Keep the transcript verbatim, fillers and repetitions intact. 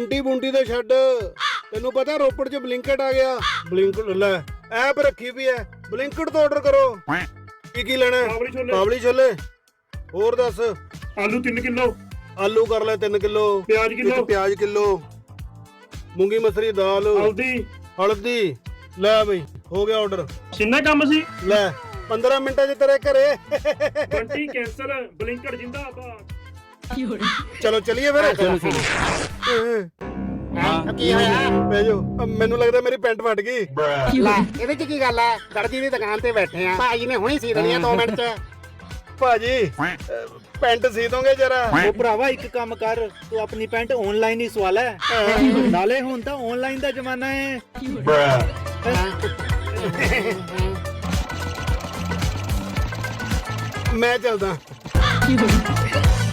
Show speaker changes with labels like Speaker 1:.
Speaker 1: ਬੰਟੀ ਬੁੰਟੀ ਤੇ ਛੱਡ, ਤੈਨੂੰ ਪਤਾ ਰੋਪੜ 'ਚ ਬਲਿੰਕਟ ਆ ਗਿਆ। ਬਲਿੰਕਟ ਲੈ ਐਪ ਰੱਖੀ ਵੀ ਐ, ਬਲਿੰਕਟ ਤੋਂ ਆਰਡਰ ਕਰੋ। ਕੀ ਕੀ ਲੈਣਾ?
Speaker 2: ਕਾਬਲੀ ਛੋਲੇ।
Speaker 1: ਕਾਬਲੀ ਛੋਲੇ। ਹੋਰ ਦੱਸ।
Speaker 2: ਆਲੂ ਤਿੰਨ ਕਿਲੋ।
Speaker 1: ਆਲੂ ਕਰ ਲੈ ਤਿੰਨ ਕਿਲੋ।
Speaker 2: ਪਿਆਜ਼ ਕਿਲੋ।
Speaker 1: ਪਿਆਜ਼ ਕਿਲੋ। ਮੂੰਗੀ ਮਸਰੀ ਦਾਲ।
Speaker 2: ਹਲਦੀ।
Speaker 1: ਹਲਦੀ ਲੈ ਬਈ, ਹੋ ਗਿਆ ਆਰਡਰ।
Speaker 2: ਕਿੰਨਾ ਕੰਮ ਸੀ?
Speaker 1: ਲੈ ਪੰਦਰਾਂ ਮਿੰਟਾਂ 'ਚ ਤੇਰੇ ਘਰੇ।
Speaker 2: ਬੰਟੀ ਕੈਂਸਲ, ਬਲਿੰਕਟ ਜਿੰਦਾਬਾਦ।
Speaker 1: ਚਲੋ ਚਲੀਏ ਫਿਰ।
Speaker 3: ਚਲੋ ਚਲੋ।
Speaker 4: ਹਾਂ ਕੀ ਹੋਇਆ?
Speaker 1: ਬਹਿ ਜਾਓ, ਮੈਨੂੰ ਲੱਗਦਾ ਮੇਰੀ ਪੈਂਟ ਫਟ ਗਈ।
Speaker 4: ਲੈ ਇਹਦੇ ਚ ਕੀ ਗੱਲ ਹੈ? ਦਰਜੀ ਦੀ ਦੁਕਾਨ ਤੇ ਬੈਠੇ ਆ, ਭਾਜੀ ਨੇ ਹੁਣੀ ਸੀ ਦੇਣੀ ਆ ਦੋ ਮਿੰਟ ਚ।
Speaker 1: ਭਾਜੀ ਪੈਂਟ ਸੀ ਦੋਗੇ ਜਰਾ?
Speaker 3: ਉਹ ਭਰਾਵਾ ਇੱਕ ਕੰਮ ਕਰ, ਤੂੰ ਆਪਣੀ ਪੈਂਟ ਆਨਲਾਈਨ ਹੀ ਸਵਾ ਲੈ। ਨਾਲੇ ਹੁਣ ਤਾਂ ਆਨਲਾਈਨ ਦਾ ਜ਼ਮਾਨਾ ਹੈ।
Speaker 1: ਮੈਂ ਚੱਲਦਾ।